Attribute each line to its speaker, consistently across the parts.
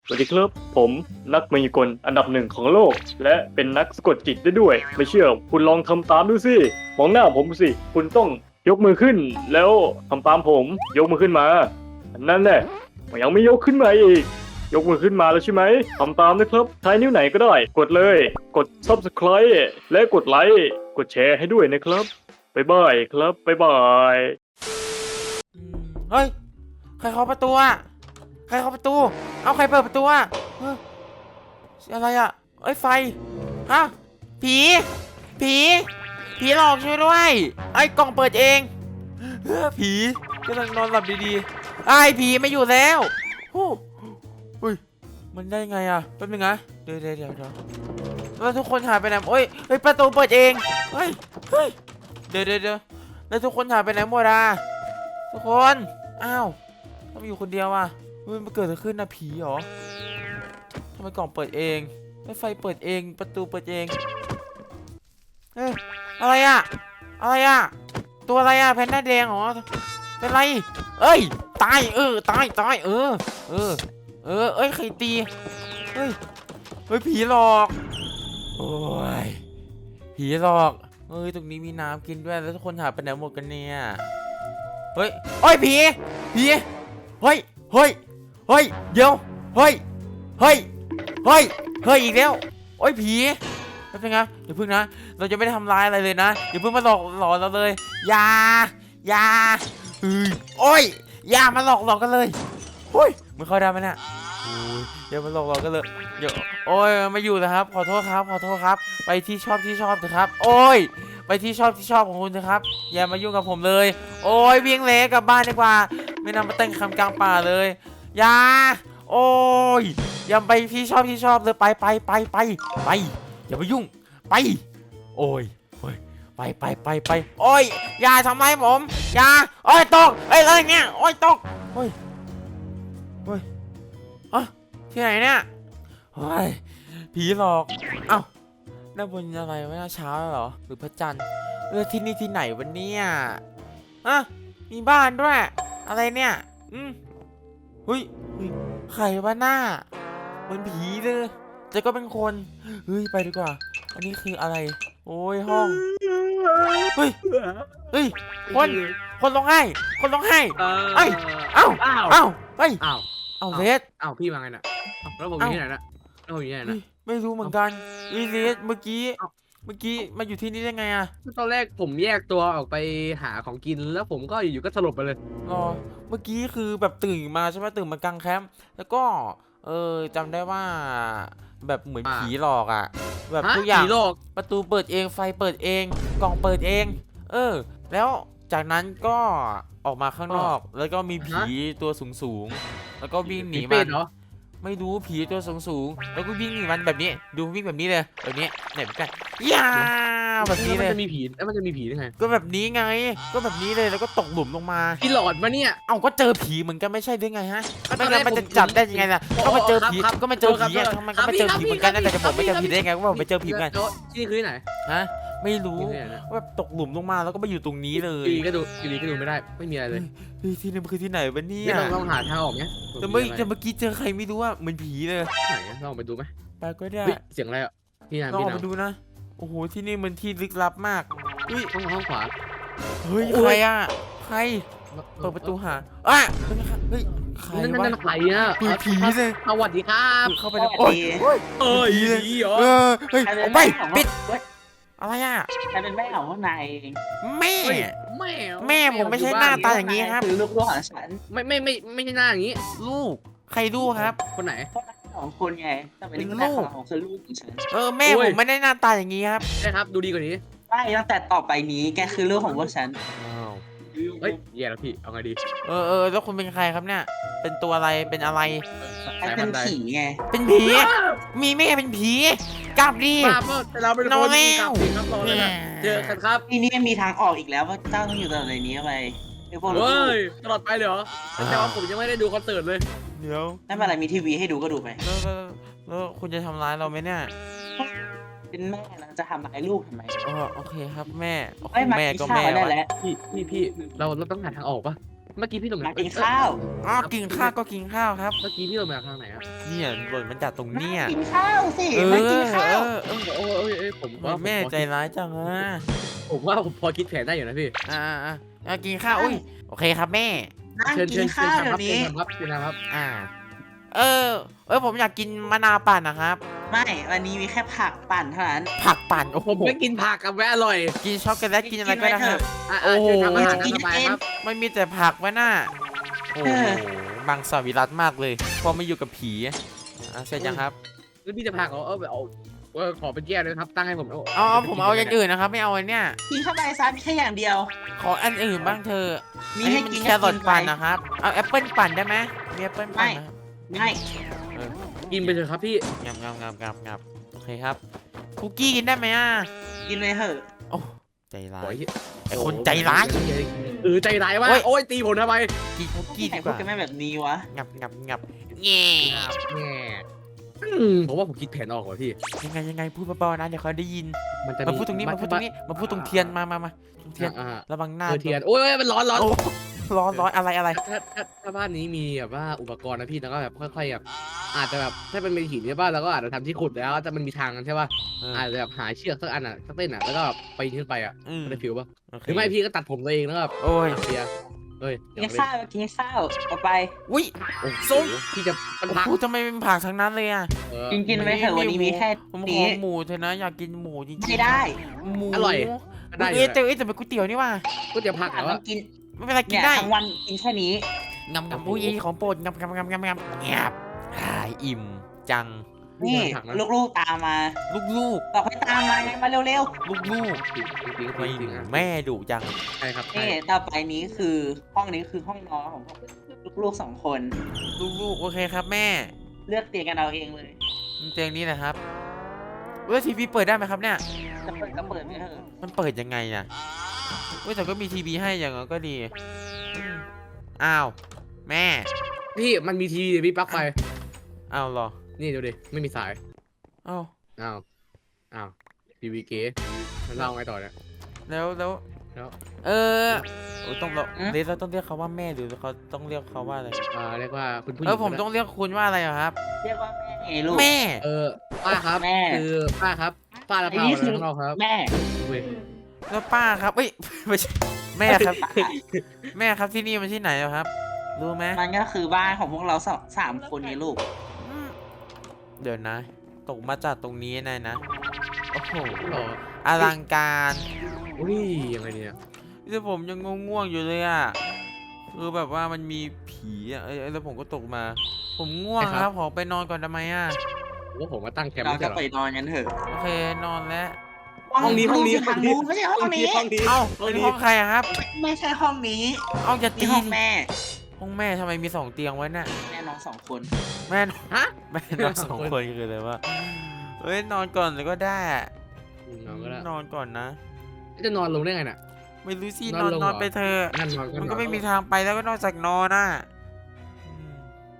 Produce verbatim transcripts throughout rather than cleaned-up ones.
Speaker 1: สวัสดีครับผมนักมายากลอันดับหนึ่งของโลก และเป็นนักสะกดจิตได้ด้วย ไม่เชื่อคุณลองทำตามดูสิมองหน้าผมสิคุณต้องยกมือขึ้น แล้วทำตามผมยกมือขึ้นมานั่นแหละยังไม่ยกขึ้นมาอีกยกมือขึ้นมาแล้วใช่ไหมทำตามนะครับใช้นิ้วไหนก็ได้ กดเลยกด ซับสไครบ์ และกดไลค์กดแชร์ให้ด้วยนะครับบ๊ายบายครับบ๊ายบาย
Speaker 2: เฮ้ยใครเคาะประตูอะใครเคาะประตูเอาใครเปิดประตูอะเฮ้ยอะไรอะเอ้ยไฟฮะผีผีผีหลอกช่วยด้วยไอ้กล่องเปิดเองเฮ้ยผีกำลังนอนหลับดีๆไอ้ผีไม่อยู่แล้วโอ้อุ้ยมันได้ไงอะแป๊บนึงนะเดี๋ยวเดี๋ยวเดี๋ยวเดี๋ยวแล้วทุกคนหายไปไหนโอ้ยเฮ้ยประตูเปิดเองเฮ้ยเฮ้ยเดี๋ยวเดี๋ยวเดี๋ยวแล้วทุกคนหายไปไหนหมดอะทุกคนอ้าวทำไมอยู่คนเดียวอ่ะเฮ้ยมันเกิดอะไรขึ้นนะผีเหรอทำไมกล่องเปิดเองไม่ไฟเปิดเองประตูเปิดเองเฮ้ยอะไรอ่ะอะไรอ่ะตัวอะไรอ่ะแพนด้าแดงเหรอเป็นไรเอ้ยตายเออตายตายเออเออเออเอ้ยใครตีเฮ้ยเฮ้ยผีหลอกโอ้ยผีหลอกเฮ้ยตรงนี้มีน้ำกินด้วยแล้วทุกคนหายไปไหนหมดกันเนี่ยเฮ้ยโอ้ยผีผีเฮ้ยเฮ้ยเฮ้ยเดี๋ยวเฮ้ยเฮ้ยเฮ้ยเฮ้ยอีกแล้วโอ้ยผีแป๊บนึงนะอย่าพึ่งนะเราจะไม่ได้ทำร้ายอะไรเลยนะอย่าเพิ่งมาหลอกหลอนเราเลยอย่าอย่าเฮ้ยโอ้ยอย่ามาหลอกหลอกกันเลยเฮ้ยมึงเข้าได้ไหมเนี่ยโอ้ยอย่ามาหลอกหลอกกันเลยเดี๋ยวโอ้ยไม่อยู่นะครับขอโทษครับขอโทษครับไปที่ชอบที่ชอบเถอะครับโอ้ยไปที่ชอบที่ชอบของคุณนะครับอย่ามายุ่งกับผมเลยโอ้ยเวียงเละกลับบ้านดีกว่าไม่นำมาเต้นคำกลางป่าเลยอย่าโอ้ยอย่าไปที่ชอบที่ชอบเลยไปไปไปไปไปอย่ามายุ่งไปโอ้ยโอ้ยไปไปไปไปโอ้ยอย่าทำไมผมอย่าโอ้ยตกเอ้ยอะไรเนี่ยโอ้ยตกโอ้ยโอ้ยอ่ะที่ไหนเนี่ยโอ้ยผีหลอกเอ้าด้านบนอะไรวะเช้าเหรอหรือพระจันทร์เออที่นี่ที่ไหนวะเนี่ยอ่ะมีบ้านด้วยอะไรเนี่ยอืมเฮ้ยใครวะหน้าเหมือนผีเลยแต่ก็เป็นคนเฮ้ยไปดีกว่าอันนี้คืออะไรโอ้ยห้องเฮ้ยเฮ้ยคนคนร้องไห้คนร้องไห้เอ้ยเอ้า
Speaker 3: อ้าว
Speaker 2: เอ้าเฮ้ย
Speaker 3: อ้าว
Speaker 2: เอ้าเลส
Speaker 3: อ้าวพี่มาไงน่ะอ้าวแล้วผมอยู่ที่ไหนน่ะแล้วผมอยู่ที่ไหน
Speaker 2: เฮ้
Speaker 3: น่ะ
Speaker 2: ยไม่รู้เหมือนกันอีเลสเมื่อกี้
Speaker 3: เอ้า
Speaker 2: เมื่อกี้มาอยู่ที่นี่ได้ไงอะ
Speaker 3: ตอนแรกผมแยกตัวออกไปหาของกินแล้วผมก็อยู่ๆก็สลบไปเลย
Speaker 2: รอเมื่อกี้คือแบบตื่นมาใช่ไหมตื่นมากลางแคมป์แล้วก็เออจำได้ว่าแบบเหมือน
Speaker 3: อ่า
Speaker 2: ผีหลอกอะแบบ
Speaker 3: ฮะ
Speaker 2: ทุกอย่าง
Speaker 3: ผีหลอก
Speaker 2: ประตูเปิดเองไฟเปิดเองกล่องเปิดเอง เออ แล้วจากนั้นก็ออกมาข้างนอก แล้วก็มีผีตัวสูงสูงๆแล้วก็วิ่งหนี
Speaker 3: ผี
Speaker 2: มั
Speaker 3: เป็ด
Speaker 2: น
Speaker 3: เหรอ
Speaker 2: ไม่รู้ผีตัวสูงสูงๆแล้วก็วิ่งหนีมันแบบนี้ ดูวิ่งแบบนี้เลยแบบนี้เนี่ยแบบกันย่าแบบนี้
Speaker 3: แล้ว
Speaker 2: เล
Speaker 3: มัน
Speaker 2: ย
Speaker 3: จะมีผีแล้วมันจะมีผีได้ไง
Speaker 2: ก็แบบนี้ไง ก็แบบนี้เลยแล้วก็ตกหลุมลงมา
Speaker 3: พี่หลอดมาเนี่ย
Speaker 2: เอ้าก็เจอผีเหมือนกันไม่ใช่หรือไงฮะ
Speaker 3: ก็ต
Speaker 2: ไม่
Speaker 3: อนแร
Speaker 2: งั้
Speaker 3: ก
Speaker 2: นมันจะ
Speaker 3: ผม
Speaker 2: จับได้ยังไงล่ะ
Speaker 3: โอ้
Speaker 2: ก็มาเจอผี
Speaker 3: ครับ
Speaker 2: ก็มาเจอผี
Speaker 3: ครับ
Speaker 2: อะทำไมก็มาเจอผีเหมือนกันนะแต่จะผมไม่เจอผีได้ไงก็บอกไม่เจอผีเหมือนกัน
Speaker 3: ที่นี่คือที่ไหน
Speaker 2: ฮะไม่รู้
Speaker 3: ที่ไหนนะ
Speaker 2: ว่าแบบตกหลุมลงมาแล้วก็มาอยู่ตรงนี้เลย
Speaker 3: อยู่ดีก็ดูอยู่ดีก็ดูไม่ได้ไม่มีอะไรเลย
Speaker 2: เฮ้ยที่นี่มันคือที่ไหนวะเนี่
Speaker 3: นี่
Speaker 2: ย
Speaker 3: ลองลองหาทางออกเนี้ย
Speaker 2: แต่เมื่อแต่เมื่อกี้เจอใครไม่รู้ว่าเหมือนผีเลย
Speaker 3: ไหนอะลองไปดูไหม
Speaker 2: ไปก็ได้
Speaker 3: เฮ้ยเสียงอะไรอ่ะพี่นาม
Speaker 2: ลอง
Speaker 3: พี่
Speaker 2: ออก
Speaker 3: นา
Speaker 2: ไป
Speaker 3: ม
Speaker 2: ดูนะโอ้โหที่นี่มันที่ลึกลับมากเฮ้ย
Speaker 3: ห้องห้องขวา
Speaker 2: เฮ้ย
Speaker 3: โอ้ย
Speaker 2: ใครอ่ะใครเปิดประตูหาอ่ะเป็นไงเฮ้ยใคร
Speaker 3: นั่นนั่น
Speaker 2: วะ
Speaker 3: นั่นใครอ่ะ
Speaker 2: เฮ้ยผีเลย
Speaker 3: สวัสดีครับ
Speaker 2: เข้าไปในโอ้ยโอ้ย
Speaker 3: เอ้ย
Speaker 2: ผีเลย
Speaker 3: ผีเหรอ
Speaker 2: เออเฮ้ย
Speaker 4: ใครเป็
Speaker 2: อน อก
Speaker 4: แม่
Speaker 2: ไป
Speaker 4: ของ
Speaker 2: ปิด
Speaker 4: เว้ย
Speaker 2: อะไรอ่ะ
Speaker 4: ใครเป็นแม่ของพวกนายเอง
Speaker 2: แม่
Speaker 3: เฮ้ยแม่
Speaker 2: แม่ผมไม่ใช่หน้าตาอย่างนี้ครับ
Speaker 4: คือลูกลูกของฉัน
Speaker 3: ไม่ไม่ไม่ไม่ใช่หน้าอย่างนี้
Speaker 2: ลูกใครลูกครับ
Speaker 3: คนไหน
Speaker 4: พวกนายสองคนไงแต่เป็น
Speaker 2: เป็น
Speaker 4: แม่
Speaker 2: ลูก
Speaker 4: ของคือลูกของฉัน
Speaker 2: เออแม่
Speaker 3: โอ้
Speaker 2: ผ
Speaker 3: ย
Speaker 2: มไม่ได้หน้าตาอย่างนี้ครับ
Speaker 3: ใช่ครับดูดีกว่านี้
Speaker 4: ไม่ตั้งแต่ต่อไปนี้แกคือลูกของพวกฉัน
Speaker 3: เฮ้ยแย่แล้วพี่เอาไงดี
Speaker 2: เออเออแล้วคุณเป็นใครครับเนี่ยเป็นตัวอะไรเป็นอะไร
Speaker 4: ไอ้เป็นผีไง
Speaker 2: เป็นผีมีแม่เป็นผีกลับดิ
Speaker 3: มาเมื่อแต่เราเป็น
Speaker 2: น
Speaker 3: ค
Speaker 2: อน
Speaker 3: น
Speaker 2: แล้ว
Speaker 3: กลับสิครับรอเลยนะเจอกันครับ
Speaker 4: ทีนี้มีทางออกอีกแล้วว่าเจ้าต้องอยู่ตลอดในนี้ไปไอ้พวกลูก
Speaker 3: เฮ้ยตลอดไปเลยเหรอแต่ว่าผมยังไม่ได้ดูคอนเสิร์ตเลย
Speaker 2: เดี๋ยว
Speaker 4: นั่นเป็นอะไรมีทีวีให้ดูก็ดูไป
Speaker 2: แล้วแล้วแล้วคุณจะทำร้ายเราไหมเนี่ย
Speaker 4: เป็นแม่นะจะทำร้ายลูกทำไม
Speaker 2: อ๋อโอเคครับแม่โอเค
Speaker 4: ไม่มา
Speaker 2: แม่
Speaker 4: กิน
Speaker 2: ก็
Speaker 4: ข้า
Speaker 2: แม่
Speaker 4: วได้
Speaker 2: วะ
Speaker 4: แล้ว
Speaker 3: พี่พี่พี่เราเราต้องหาทางออกปะเมื่อกี้พี่ลง
Speaker 4: มากินข้าว
Speaker 2: อ๋อกินข้าวก็กินข้าวครับ
Speaker 3: เมื่อกี้พี่ลงมาทางไหนอะ
Speaker 2: เนี่ยหล่นมันจากตรงเนี้ย
Speaker 4: กินข้าวสิ
Speaker 2: เออ
Speaker 4: มากินข้าว
Speaker 2: เออเออ
Speaker 3: โอ้ยโอ้ยโอ้ยผมว่า
Speaker 2: แม่ใจร้ายจังอะ
Speaker 3: ผมว่าผมพอคิดแผนได้อยู่นะพี่
Speaker 2: อ่าอ่าอ่ากินข้าวอุ้ยโอเคครับแม่
Speaker 4: นั่ง
Speaker 3: เชิญ
Speaker 4: กิ
Speaker 3: เชิ
Speaker 4: น
Speaker 3: ญเชิ
Speaker 4: ข้า
Speaker 3: ญ
Speaker 4: ว
Speaker 3: ค
Speaker 4: เดี๋
Speaker 3: รั
Speaker 4: ย
Speaker 3: บ
Speaker 4: ว
Speaker 3: เชิญ
Speaker 4: นี้
Speaker 3: ครับเชิญครับ
Speaker 2: อ่า เออ เออผมอยากกินมะนาวปั่นนะครับ
Speaker 4: ไม่วันนี้มีแค่ผักปั่นเท่านั้น
Speaker 2: ผักปั่นโอ้โห
Speaker 3: ผมไม่กินผักกับแม่อร่อย
Speaker 2: กินช็อกโกแลตกินอะไรก็ได้ครับ
Speaker 3: อ่ะ
Speaker 2: โอ้
Speaker 3: อ่ะ
Speaker 2: โห
Speaker 3: เชิญทำอาหารตามสบายครับ
Speaker 2: ไม่มีแต่ผักวะน่าโอ้โหบังสวิรัตมากเลยพอมาอยู่กับผีอ่ะเสร็จยังครับ
Speaker 3: แล้วพี่จะผักเหรอเออเอาเออขอเป็นแก้วเลยครับตั้งให้ผม
Speaker 2: เอาเอาผมเอาอย่างอื่นนะครับไม่เอาอันเนี้ย
Speaker 4: กินเข้าไปซะมีแค่อย่างเดียว
Speaker 2: ขออันอื่นบ้างเธอ
Speaker 4: มี
Speaker 2: อัน
Speaker 4: ให้
Speaker 2: นี้มัน
Speaker 4: กิน
Speaker 2: แครอทปั่น
Speaker 4: ก็กินไป
Speaker 2: นะครับเอาแอปเปิลปั่นได้ไหมมีแอปเปิลปั่นนะครับ
Speaker 4: ไม่
Speaker 3: กินไปเถอะครับพี่
Speaker 2: งับงับงับงับงับโอเคครับคุกกี้กินได้ไหมอ่ะ
Speaker 4: กินไปเถอะ
Speaker 2: โอ้ใจร้า
Speaker 3: โอ้
Speaker 2: ย
Speaker 3: ย
Speaker 2: ไอคนใจร้าย
Speaker 3: เออใจร้ายมาก
Speaker 2: โอ้ย
Speaker 3: โอ้ยตีผมทำไม
Speaker 2: กินคุกกี้
Speaker 4: ที่ไหน
Speaker 2: ดีก
Speaker 4: พูด
Speaker 2: ว่า
Speaker 4: กันไม่แบบนี้วะ
Speaker 2: งับงับงับเงี้
Speaker 3: แง่อืมผมว่าผมคิดแผนออกว่ะพี่
Speaker 2: ยังไงยังไงพูดเบาๆนะเดี๋ยวเขาได้ยิน
Speaker 3: มันจะ
Speaker 2: มาพูดตรงนี้มาพูดตรงนี้มาพูดตรงเทียนมามามาตรงเทียน
Speaker 3: อ่า
Speaker 2: ระวังหน้า
Speaker 3: เออเทียนโอ้ยมันร้อนร้อน
Speaker 2: โอ้ร้อนร้อนอะไรอะไร
Speaker 3: ถ้าถ้าถ้าบ้านนี้มีแบบว่าอุปกรณ์นะพี่แล้วก็แบบค่อยๆแบบอาจจะแบบถ้าเป็นเป็นหินใช่ป่ะเราก็อาจจะทำที่ขุดแล้วแต่มันมีทางกันใช่ป่ะ
Speaker 2: เออ
Speaker 3: อาจจะแบบหาเชือกสักอันอ่ะสักเส้นอ่ะแล้วก็ไปขึ้นไปอ่ะ
Speaker 2: อืม
Speaker 3: ได้ฟิวป่ะ
Speaker 2: โอเค
Speaker 3: หรือไม่พี่ก็ตัดผมตัวเองแล้วก็
Speaker 2: โอ้ย
Speaker 3: เสียเฮ้ย
Speaker 4: กินข้าวกินข้าวเอาไป
Speaker 2: อุ้ย
Speaker 3: โอ้โห
Speaker 2: ส้ม
Speaker 3: พี่จะมันพัก
Speaker 2: พูดทำไมเป็นผักทั้งนั้นเลยอ่ะ
Speaker 3: เออ
Speaker 4: กินกินไปเถอะวันนี้มีแค่
Speaker 2: ผมข
Speaker 4: นี้
Speaker 2: อหมูเถอะนะอยากกินหมูจริงๆ
Speaker 4: ไม่ได้
Speaker 2: หมู
Speaker 3: อร่อยได้อ
Speaker 2: เอ้
Speaker 3: ยู่
Speaker 2: ยแต่เอ้ยแต่เป็นก๋วยเตี๋ยวนี่ว่ะ
Speaker 3: ก็จะพักแล้ว
Speaker 4: มั
Speaker 3: อะ
Speaker 4: นกิน
Speaker 2: ไม่เป็นไรกิ
Speaker 4: เนี่
Speaker 2: น
Speaker 4: ย
Speaker 2: ได้
Speaker 4: ทั้งวันกินแค่นี้
Speaker 2: งำงำอุ้ยของโปรดงำงำงำงำงำเงียบหายอิ่มจัง
Speaker 4: นี่
Speaker 3: ผักนะ
Speaker 4: ลูกๆตามมา
Speaker 2: ลูก
Speaker 4: บอกให้ตามมาไงมาเร็ว
Speaker 2: ๆลูกลูก
Speaker 3: จริงจริง
Speaker 2: ๆไม่
Speaker 3: จริงๆอะ
Speaker 2: แม่ดุจัง
Speaker 3: ใช่ครับ
Speaker 4: ๆ
Speaker 3: ใช่
Speaker 4: นี่ต่อไปนี้คือห้องนี้คือห้องนอนของพวกลูกๆสองคน
Speaker 2: ลูกลูกๆโอเคครับแม่
Speaker 4: เลือกเตียงกันเอาเองเลย
Speaker 2: เตียงนี้นะครับเว้ยทีวีเปิดได้ไหมครับเนี่ย
Speaker 4: จะเปิดก็เปิดไม่เถอะ
Speaker 2: มันเปิดยังไงอ่ะเว้ยแต่ก็มีทีวีให้อย่างนั้นก็ดีอืมอ้าวแม่
Speaker 3: พี่มันมีทีวีพี่ปลั๊กไฟ
Speaker 2: อ้าวเหรอ
Speaker 3: นี่ดูดิไม่มีสาย
Speaker 2: อ้าว
Speaker 3: อ้าวอ้าวทีวีเก๋มันเล่าไงต่อเนี่ย
Speaker 2: แล้วแล้ว
Speaker 3: แล้ว
Speaker 2: เออโอ้ยต้องเราเรียกเราต้องเรียกเขาว่าแม่หรือเขาต้องเรียกเขาว่าอะไร
Speaker 3: อ่าเรียกว่าคุณผู้หญิ
Speaker 2: เอง อผมต้องเรียกคุณว่าอะไรอะครับ
Speaker 4: เรียกว่าแม่ไงลูก
Speaker 2: แม่
Speaker 3: เออป้าครับ
Speaker 4: แม่
Speaker 3: คือป้าครับป้าละ
Speaker 4: ไอ้
Speaker 3: เปา
Speaker 4: นี่คือ
Speaker 3: ข้างนอกครับ
Speaker 4: แม่
Speaker 3: เว้ย
Speaker 2: แล้วป้าครับเอ้ย ไม่ใช่แม่ครับ แม่ครับที่นี่มันที่ไหนอะครับ รู้ไหม
Speaker 4: มันก็คือบ้านของพวกเราสองสามคนนี่ลูก
Speaker 2: อืมเดี๋ยวนะ ตกมาจากตรงนี้นายนะโอ้โห
Speaker 3: หรอ
Speaker 2: อลังการ
Speaker 3: อุ้ยยังไงเนี่ย
Speaker 2: แต่ผมยังง่วงๆอยู่เลยอะคือแบบว่ามันมีผีอะเอ้ยแล้วผมก็ตกมา ผมง่วงครับขอไปนอนก่อนได้ไหมอะ
Speaker 3: ว่าผมมาตั้งแคมป์
Speaker 4: เรา
Speaker 3: ไม่
Speaker 4: จะ
Speaker 3: ใช่เหรอ
Speaker 4: ไปนอนกันเถอะ
Speaker 2: โอเคนอนแล้ว
Speaker 3: ห้องนี้ห้องนี้
Speaker 4: ทางนู้นไม่ใช่ห้องนี้
Speaker 3: ห้องนี้
Speaker 2: เอ้า
Speaker 3: ห้อง
Speaker 2: เป็น
Speaker 3: นี้
Speaker 2: ห้องใครอะครับ
Speaker 4: ไม่ใช่ห้องนี้
Speaker 2: เอาอย่า
Speaker 4: นี่
Speaker 2: ตี
Speaker 4: ห้อง
Speaker 2: ดิ
Speaker 4: แม่
Speaker 2: ห้องแม่ทำไมมีสองเตียงไว้น่ะ
Speaker 4: แม่น้องสองคน
Speaker 2: แม่น
Speaker 3: ฮะ
Speaker 2: แม่นอนสองคนคืออะไรวะเฮ้ยนอนก่อนเลยก็ได้
Speaker 3: นอนก็ได้
Speaker 2: นอนก่อนนะ
Speaker 3: จะนอนลงได้ไงน่ะ
Speaker 2: ไม่รู้สิ
Speaker 3: น
Speaker 2: น
Speaker 3: อ
Speaker 2: อน น
Speaker 3: ลง
Speaker 2: นอน
Speaker 3: เหรอ
Speaker 2: ไปเถอะ
Speaker 3: นั่นนอน
Speaker 2: มันก็
Speaker 3: นอ
Speaker 2: ไม่มีทางไปแล้วก็นอกจากนอนน่ะอืม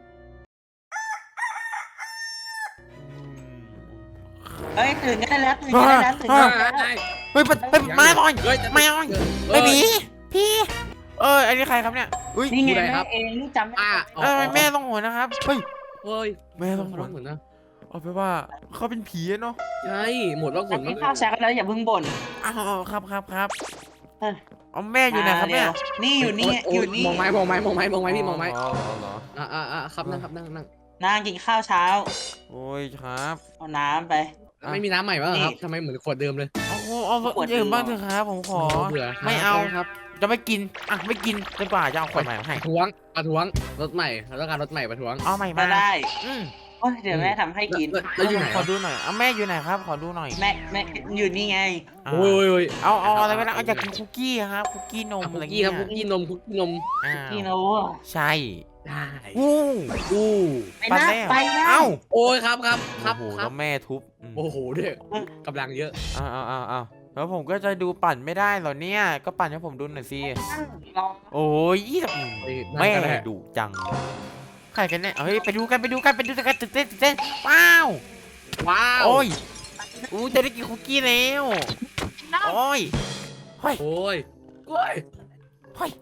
Speaker 2: อืม
Speaker 4: เอ้ยตื่นกันได้แล้วตื่นกันได้แล้วตื่นกันได้แล้ว
Speaker 2: เฮ้ยไปไปมาหน่อย
Speaker 3: เฮ้ย
Speaker 2: ไม่เอา
Speaker 3: เฮ้
Speaker 2: ไม่
Speaker 3: ย
Speaker 2: มีพี่ เอออันนี้ใครครับเนี่ยอุ้ย
Speaker 4: นี่ไง
Speaker 3: ผู้ใด
Speaker 4: แม่
Speaker 3: ครับ
Speaker 4: เองลูกจำไม่
Speaker 3: อ่ะ
Speaker 4: ได้
Speaker 2: เออแม่ต้องหัวนะครับเฮ้ย
Speaker 3: เฮ้ย
Speaker 2: แม่ต้องหัว
Speaker 3: ร้องเหมือนนะ
Speaker 2: เอาไปว่าเขาเป็นผีอะเนาะ
Speaker 3: ใช่หมดร้องเหมือน
Speaker 4: กินข้าวเช้ากันแล้วอย่าเพิ่งบ่น
Speaker 2: อ้าวครับครับครับ
Speaker 4: เออ
Speaker 2: เอาแม่อยู่ไหนครับเนี่ย
Speaker 4: มาเร็วนี่อยู่นี่อยู่นี่
Speaker 3: มองไม้มองไม้มองไม้มองไม้พี่มองไม้
Speaker 2: อ๋อเหรอ
Speaker 3: อ่าอ่าอ่าครับนั่งครับนั่งนั่ง
Speaker 4: นั่งกินข้าวเช้า
Speaker 2: โอ้ยครับ
Speaker 4: เอาน้ำไป
Speaker 3: ไม่มีน้ำใหม่ป่ะครับ
Speaker 4: นี่
Speaker 3: ทำไมเหมือนขวดเดิมเลย
Speaker 2: เอาเอาเอา
Speaker 4: ขวด
Speaker 2: อื่น
Speaker 4: เดียว
Speaker 2: บ้างเถอะครับผมขอ
Speaker 3: เบื่อ
Speaker 2: ไม่เอา
Speaker 3: ครับ
Speaker 2: จะไม่กินอ่ะไม่กินจนกว่าจะเอาขวดใหม่มาให้
Speaker 3: ประท้วงประท้วงรถใหม่เราต้องการรถใหม่ประท้วง
Speaker 2: เอาใหม่
Speaker 4: ก็
Speaker 2: มา
Speaker 4: ได้
Speaker 2: อืม
Speaker 4: โอ้ยเดี๋ยวแม่ทำให้กิน
Speaker 3: แล้วแล้วอยู่ไหน
Speaker 2: ขอดูหน่อยเอาแม่อยู่ไหนครับ ขอดูหน่อย
Speaker 4: แม่แม่อยู่นี่ไง
Speaker 2: อ่า
Speaker 3: โอ้ยโอ้ย
Speaker 2: เอาเอาอะไรก็ได้เอาอยากกินคุกกี้ครับคุกกี้นม
Speaker 3: คุ
Speaker 2: อะไร
Speaker 3: ก
Speaker 2: เงี้
Speaker 3: กี้
Speaker 2: ย
Speaker 3: ครับคุกกี้นมคุกกี้นม
Speaker 2: อ้าว
Speaker 4: นี่นะวะ
Speaker 2: ใช่
Speaker 3: ได้
Speaker 2: อู้
Speaker 3: อู้
Speaker 4: ไปนะไปนะ
Speaker 2: เอ้า
Speaker 3: โอ้ยครับครับครับ
Speaker 2: โอ้โห
Speaker 3: ครั
Speaker 2: แล้
Speaker 3: บ
Speaker 2: วแม่ทุบอืม
Speaker 3: โอ้โหเนี่ยกำลังเยอะ
Speaker 2: เอาเอาเอาเอาแล้วผมก็จะดูปั่นไม่ได้เหรอเนี่ยก็ปั่นให้ผมดูหน่อยสิ
Speaker 4: นั่งรอ
Speaker 2: โอ้ยยี่สิบ
Speaker 3: เฮ้ยนั่ง
Speaker 2: แม่
Speaker 3: ก็ได้
Speaker 2: ดุจังใครกันเนี่ยเฮ้ยไปดูกันไปดูกันไปดูกันตื่นเต้นตื่นเต้นว้าว
Speaker 3: ว้าว
Speaker 2: โอ้ยอู้จะได้กินคุกกี้แล้วโอ้ยเฮ้ย
Speaker 3: โอ้ยโอ้ย
Speaker 2: เฮ้ย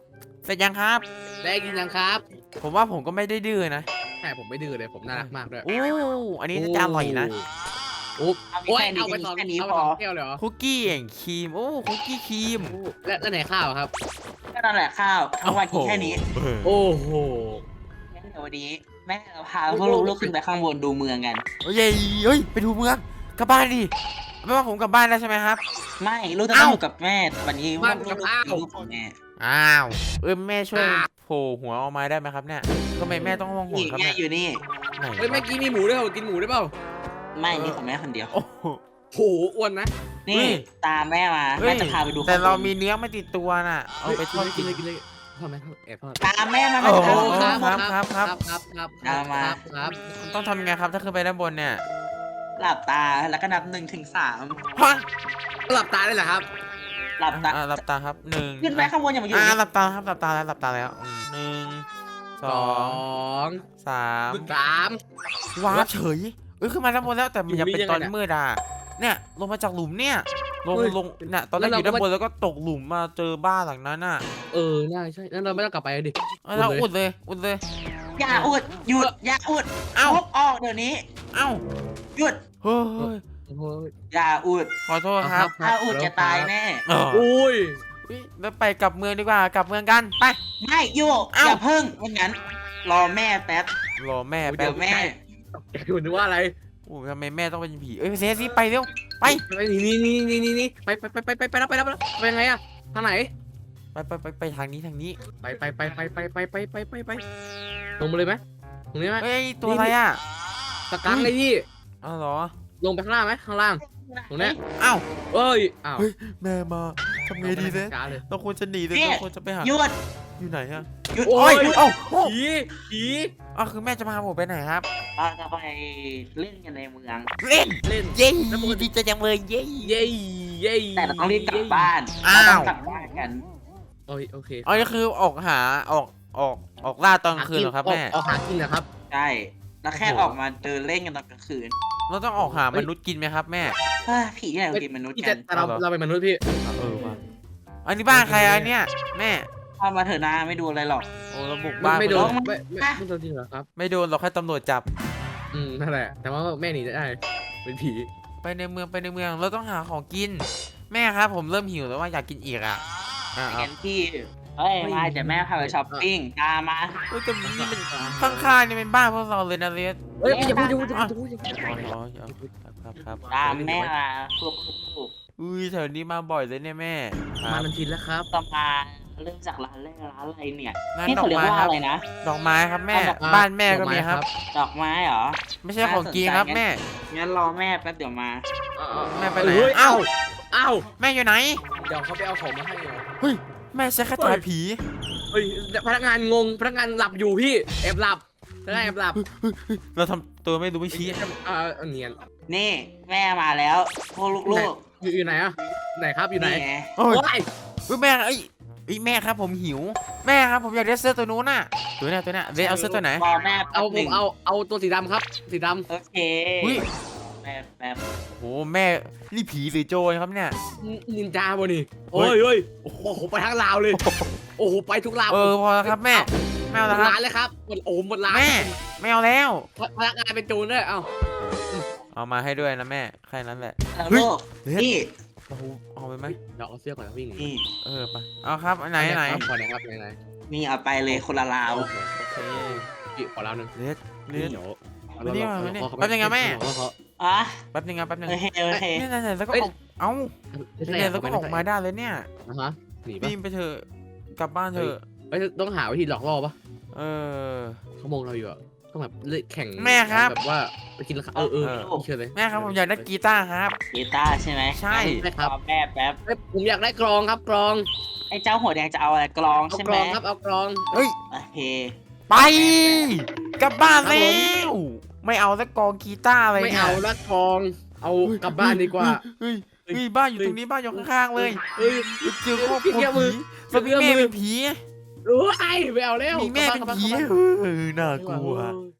Speaker 2: เสร็จยังครับ
Speaker 3: ได้กินยังครับ
Speaker 2: ผมว่าผมก็ไม่ได้ดื้อนะ
Speaker 3: ใช่ผมไม่ดื้อเลยผมน่ารักมากด้วย
Speaker 2: โอ้อันนี้น่าจะอร่อยนะ
Speaker 3: โอ้
Speaker 4: เอา
Speaker 3: โอ้ย
Speaker 4: แค่นี้
Speaker 3: เอาไปสอง
Speaker 4: แค่นี้
Speaker 3: เอาไป
Speaker 4: พ
Speaker 3: ส
Speaker 4: อ
Speaker 3: องแก้วเลยเหรอ
Speaker 2: คุกกี้แห่งครีมโอ้คุกกี้ครีม
Speaker 3: โอ้แล้วแล้วไหนข้าวครับ
Speaker 4: ก็นั่นแหละข้าวทั้งวันกินแค่นี้
Speaker 3: โอ้โห
Speaker 4: งั้นเดี๋ยววันนี้แม่เราพาพวกลูกๆขึ้นไปข้างบนดูเมืองกัน
Speaker 2: โอ้ยเฮ้ยไปดูเมืองกลับบ้านดิไม่ว่าผมกลับบ้านแล้วใช่ไหมครับ
Speaker 4: ไม่ลูกจะ
Speaker 2: เอ้า
Speaker 4: ต้องอยู่กับแม่แต่วันนี้ว่าลูกๆเป็นลูกของแม่
Speaker 2: อ้าวเออแม่ช่วยโผล่หัวออกมาได้ไหมครับเนี่ยทำไมแม่ต้องห่วงหัว
Speaker 4: นี่
Speaker 2: ครับ
Speaker 4: แม่
Speaker 2: เนี่ย
Speaker 4: อยู่นี่
Speaker 2: ไหน
Speaker 3: เฮ้ยเมื่อกี้มีหมูด้วยเหรอกินหมูได้เปล่า
Speaker 4: ไม่นี่ของแม่คนเดียว
Speaker 2: โอ้โห
Speaker 3: โหอ้วนนะ
Speaker 4: นี่
Speaker 2: เฮ้ย
Speaker 4: ตามแม่มา
Speaker 2: เฮ้
Speaker 4: แม่
Speaker 2: ย
Speaker 4: จะพาไปดู
Speaker 2: แต่เรา
Speaker 4: ข้งบน
Speaker 2: มีเนื้อไม่ติดตัวน่ะเอาไปทอด
Speaker 3: กิ
Speaker 2: กิ
Speaker 3: น
Speaker 2: น
Speaker 3: เลยกินเลยทอดไหมแอบทอด
Speaker 4: ตามแม่มา
Speaker 2: โอ้
Speaker 4: แม่
Speaker 2: โห
Speaker 4: ตาม
Speaker 2: ครับครับครับ
Speaker 3: ครับครับ
Speaker 4: เอามา
Speaker 3: ครับครับ
Speaker 2: ต้องทำยังไงครับถ้าขึ้นไปด้านบนเนี่ย
Speaker 4: หลับตาแล้วก็นับหนึ่งถึงสาม
Speaker 2: ฮะ
Speaker 3: หลับตาได้เหรอครับ
Speaker 4: หลับตา
Speaker 2: อ่ะหลับตาครับหนึ่ง
Speaker 4: ขึ้นไปข้างบนอย่ามาอยู่
Speaker 2: อ่า
Speaker 4: นี่
Speaker 2: หลับตาครับหลับตาแล้วหลับตาแล้วอืมหนึ่งส
Speaker 3: ส
Speaker 2: อ
Speaker 3: อง ง
Speaker 2: สาม
Speaker 3: สาม
Speaker 2: ว้าบเฉยเอ้ยขึ้นมาด้านบนแล้วแต่มันยังเป็น
Speaker 3: อยู่นี่
Speaker 2: ตอน
Speaker 3: ยังไงเนี่ย
Speaker 2: มืดอ่ะเนี่ยลงมาจากหลุมเนี่ยลง
Speaker 3: เฮ้ย
Speaker 2: ลงเนี่ยตอนแรก
Speaker 3: แล้
Speaker 2: อ
Speaker 3: วเรา
Speaker 2: ยู่ด้าน
Speaker 3: ก็
Speaker 2: บนแล้วก็ตกหลุมมาเจอบ้านหลังนั้นน่ะ
Speaker 3: เออใช่ใช่งั้นเราไม่ต้องกลับไปดิ
Speaker 2: เอาเรา
Speaker 3: อุ
Speaker 2: อุ
Speaker 3: ด
Speaker 2: ด
Speaker 3: เลย
Speaker 2: เลยอุดเลย
Speaker 4: อย่าอุดหยุดอย่าอุด
Speaker 2: เอ้า
Speaker 4: พบออกเดี๋ยวนี้
Speaker 2: เอ้า
Speaker 4: หยุด
Speaker 2: เฮ้ย
Speaker 3: โอ้โห
Speaker 4: อย่าอุด
Speaker 2: ขอโทษครับ
Speaker 4: ถ้าอุดจะตายแน่
Speaker 2: เออ
Speaker 3: อุ้ย
Speaker 2: เฮ้ยแล้วไปกลับเมืองดีกว่ากลับเมืองกันไป
Speaker 4: ไม่อยู่
Speaker 2: เอ้า
Speaker 4: อย่าเพิ่งไม่งั้น รอแม่แป๊บ
Speaker 2: รอแม่แป๊
Speaker 4: เดี๋
Speaker 2: บ
Speaker 4: ยวแม่
Speaker 3: คุณนึกว่าอะไร
Speaker 2: โอ้ยทำไมแม่ต้องเป็นผีเอ้ยเซซี่ไปเร็วไป
Speaker 3: ไปนี่นี่นี่นี่นี่ไปไปไปไปไปไปแล้วไปแล้วไปแล้วไปยังไงอะทางไหน
Speaker 2: ไปไปไปไปทางนี้ทางนี้
Speaker 3: ไปไปไปไปไปไปไปไปไปไปลงมาเลยไหมตรงนี้ไหม
Speaker 2: เฮ้ยตัวอะไรอ่ะ
Speaker 3: ตะกังเลยพี่
Speaker 2: อ้าวเหรอ
Speaker 3: ลงไปข้างล่างไหมข้างล่างตรงเนี้ย
Speaker 2: อ้าว
Speaker 3: เอ้ยอ้าว
Speaker 2: เฮ้ยแม่มาทำไงดีเนี่ย
Speaker 3: ช้าเลย
Speaker 2: เราควรจะหนีเลยเราควรจะไปหา
Speaker 4: หยุด
Speaker 2: อยู่ไหนอะ
Speaker 4: หยุด
Speaker 3: โอ้
Speaker 2: โอ้
Speaker 3: ย
Speaker 2: ยเอ้าโอ้
Speaker 3: ผีผี
Speaker 2: อ้าวคือแม่จะพาผมไปไหนครับ
Speaker 4: เราจะไปเล่นกันในเมือง
Speaker 2: เล่น
Speaker 3: เล่น
Speaker 2: เย้ดีใจจังเลยเย้
Speaker 3: เย้เย้
Speaker 4: แต่เราต้องรีบกลับบ้าน
Speaker 2: อ้าว
Speaker 4: เราต้องกลับบ้านกัน
Speaker 3: โอ้ยโอเค
Speaker 2: อ๋อนี่คือออกหาออกออกออกล่าตอนกลางคืนเหรอครับแม่
Speaker 3: ออกหากินเหรอครับ
Speaker 4: ใช่แล้วแค่
Speaker 2: โอ้โห
Speaker 4: ออกมาเดินเล่นกันตอนกลางคืน
Speaker 2: เราต้องออกหามนุษย์กินไหมครับแม่
Speaker 4: เฮ้ยผีที่ไหนมากินมนุษย์
Speaker 3: พี่
Speaker 4: กั
Speaker 3: จะ
Speaker 4: น
Speaker 3: แต่เรา
Speaker 2: เอาเหรอ
Speaker 3: เราเป็นมนุษย์พี่
Speaker 2: เออว่ะอันนี้บ้านใครอันเนี้ยแม่
Speaker 4: พามาเถอะนะไม่ดูอะไรหรอก
Speaker 2: โอ้เราบุก
Speaker 3: ไม่
Speaker 2: บ้าน
Speaker 3: ไม่โดน
Speaker 2: ปเลย
Speaker 3: ไม่ไม่ไม่โดนจริงเหรอครับ
Speaker 2: ไม่โดนเราแค่ตำรวจจับ
Speaker 3: อืมนั่นแหละ แต่ว่าแม่หนีได้เป็นผี
Speaker 2: ไปในเมืองไปในเมืองเราต้องหาของกิน แม่ครับผมเริ่มหิวแล้วว่าอยากกินอีกอ่ะอ่ะเอา
Speaker 4: งั้นพี่เฮ้ยมาเดี๋ยวแม่พาไปช้อปปิ้งตามมา
Speaker 2: เฮ้ยแต่นี่มันข้างๆนี่เป็นบ้านพวกเราเลยนะเลส
Speaker 3: เฮ้ยอย่าพูดอย่าพูดอย่าพูดอย่าพูด
Speaker 2: อ๋ออ๋อครับครับครับ
Speaker 4: ตามแม่มาพวกลูก
Speaker 2: อุ้ยแถวนี้มาบ่อยเลยเนี่ยแม่ค
Speaker 3: มา
Speaker 2: รับ
Speaker 3: มันทินแล้วครับ
Speaker 4: ๆต่อมาเริ่มจากร้านแรกร้านอะไรเนี่ย
Speaker 2: ร้าน
Speaker 4: นี่
Speaker 2: ดอ
Speaker 4: เขา
Speaker 2: ก
Speaker 4: เรียก
Speaker 2: ไม้
Speaker 4: ว่า
Speaker 2: ครับ
Speaker 4: อะไรนะ
Speaker 2: ดอกไม้ครับแม่
Speaker 3: ดอกไม้
Speaker 2: บ้านแม่ก็มีครับ
Speaker 4: ดอกไม้เหรอ
Speaker 2: ไม่ใช่ของกินครับแม่
Speaker 4: งั้นรอแม่แป๊บเดี๋ยวมา
Speaker 2: แม่ไปไหน
Speaker 3: เฮ้ย
Speaker 2: เอ้า
Speaker 3: เอ้า
Speaker 2: แม่อยู่ไหน
Speaker 3: เดี๋ยวเขาไปเอาของมาให้เหรอ
Speaker 2: เฮ้ยแม่ใช้คาถาผี
Speaker 3: เฮ้ยพนักงานงงพนักงานหลับอยู่พี่แอบหลับพนักงานแอบหลับ
Speaker 2: เราทำตัวไม่รู้ไม่ชี้
Speaker 3: อ่าเอาเนียน
Speaker 4: นี่แม่มาแล้ว พวกลูก
Speaker 3: อยู่อยู่ไหนอ่ะไหนครับ
Speaker 4: ๆ
Speaker 3: อยู่ไหน
Speaker 4: ไง
Speaker 2: โอ้ย
Speaker 3: โอ้ย
Speaker 2: เฮ้ยแม่เอ้ยเอ้ยแม่ครับผมหิว แม่ครับผมอยากได้เสื้อตัวนู้นน่ะตัวเนี้ยตัวเนี้ยเลสเอาเสื้อตัวไหน
Speaker 4: รอแม่แป๊
Speaker 3: เอา
Speaker 4: บ
Speaker 3: ผ
Speaker 4: หนึ่
Speaker 3: ม
Speaker 4: ง
Speaker 3: เอาเอาตัวสีดำครับ สีด
Speaker 4: โอเค
Speaker 2: อุ้ย
Speaker 4: แป๊บแป๊บ
Speaker 2: โอ้แม่นี่ผีหรือโจรครับเนี่ย
Speaker 3: ำนินจาบ่นี่
Speaker 2: เฮ้
Speaker 3: โอ้
Speaker 2: ย
Speaker 3: ยเฮ้ยโอ้โหไปทั้งลาวเลย โอ้โหไปทุกลาว
Speaker 2: เออพอแล้วครับแม่ไม่เอา
Speaker 3: หม
Speaker 2: แล้วครับ
Speaker 3: ดร้านเลยครับหมดโอ้โหหมดร้าน
Speaker 2: แม่ไม่เอาแล้ว
Speaker 3: พนักงานเป็นโจรด้วยเอ้า
Speaker 2: เอามาให้ด้วยนะแม่แค่นั้นแหละ
Speaker 4: แล้ว
Speaker 2: เฮ้ย
Speaker 4: ลูก
Speaker 2: เลส
Speaker 4: นี่
Speaker 2: เราเอาไปไหม
Speaker 3: เดี๋ยวเอาเสื้อก่อนนะวิ่งหนี
Speaker 4: นี่
Speaker 2: เออไปเอาครับอันไหนอันไหน
Speaker 3: ขอไหนครับไหนไหน
Speaker 4: นี่เอาไปเลยคนละลาว
Speaker 3: โอเคโอเคพี่ขอลาวหนึ่ง
Speaker 2: เลสเลส
Speaker 3: เดี๋ยว
Speaker 2: มานี่มานี่แป๊บนึงนะแม่
Speaker 4: อ่ะ
Speaker 2: แป๊บนึงครับแป๊บนึง
Speaker 4: โอเคโอเค
Speaker 2: เนี่ยเนี่ยแล้วก็ออกเอ้าเนี่ยแล้วก็ออกมาได้เลยเนี่ย
Speaker 3: อ่ะฮะหนีปะ
Speaker 2: บีมไปเถอะกลับบ้านเถอะ
Speaker 3: เอ้ยต้องหาวิธีหลอกล่อปะ
Speaker 2: เออ
Speaker 3: เขามองเราอยู่อะต้องแบบเล่นแข่ง
Speaker 2: แม่ครับ
Speaker 3: แบบว่าไปกินราคาเออเออ
Speaker 2: เออ
Speaker 3: เชิญเลย
Speaker 2: แม่ครับผมอยากได้กีตาร์ครับ
Speaker 4: กีตาร์ใช่ไหม
Speaker 2: ใช่
Speaker 3: ได้ครับ
Speaker 4: รอแม่แป๊บ
Speaker 3: เอ้ยผมอยากได้กรองครับกรอง
Speaker 4: ไอ้เจ้าหัวแดงจะเอาอะไรกลอง
Speaker 3: เอา
Speaker 4: ใช่
Speaker 3: ก
Speaker 4: ไห
Speaker 3: ร
Speaker 4: ม
Speaker 3: องครับเอากรอง
Speaker 2: เฮ้ย
Speaker 4: โอเค
Speaker 2: ไปกลับบ้าน
Speaker 3: ครับ
Speaker 2: แล้
Speaker 3: ผม
Speaker 2: วไม่เอาแล้วกองกีตาร์อะไร
Speaker 3: ไม่
Speaker 2: เนี่ย
Speaker 3: เอาละกรองเอากลับบ้านดีกว่า
Speaker 2: เฮ้ยเฮ้ยบ้านอยู่ตรงนี้บ้านอยู่ข้างๆเลย
Speaker 3: เฮ้ย
Speaker 2: เจอครอบค
Speaker 3: พี่
Speaker 2: รัว
Speaker 3: เกี้ยวมือ
Speaker 2: ผีสมีแม่เป็นผี
Speaker 3: รู้ไอ้ไม่เอาแล้ว
Speaker 2: มีแม่เป็นผี
Speaker 3: กลับบ้า
Speaker 2: เออน่าก
Speaker 3: กลับ
Speaker 2: ลัว
Speaker 3: บ้าน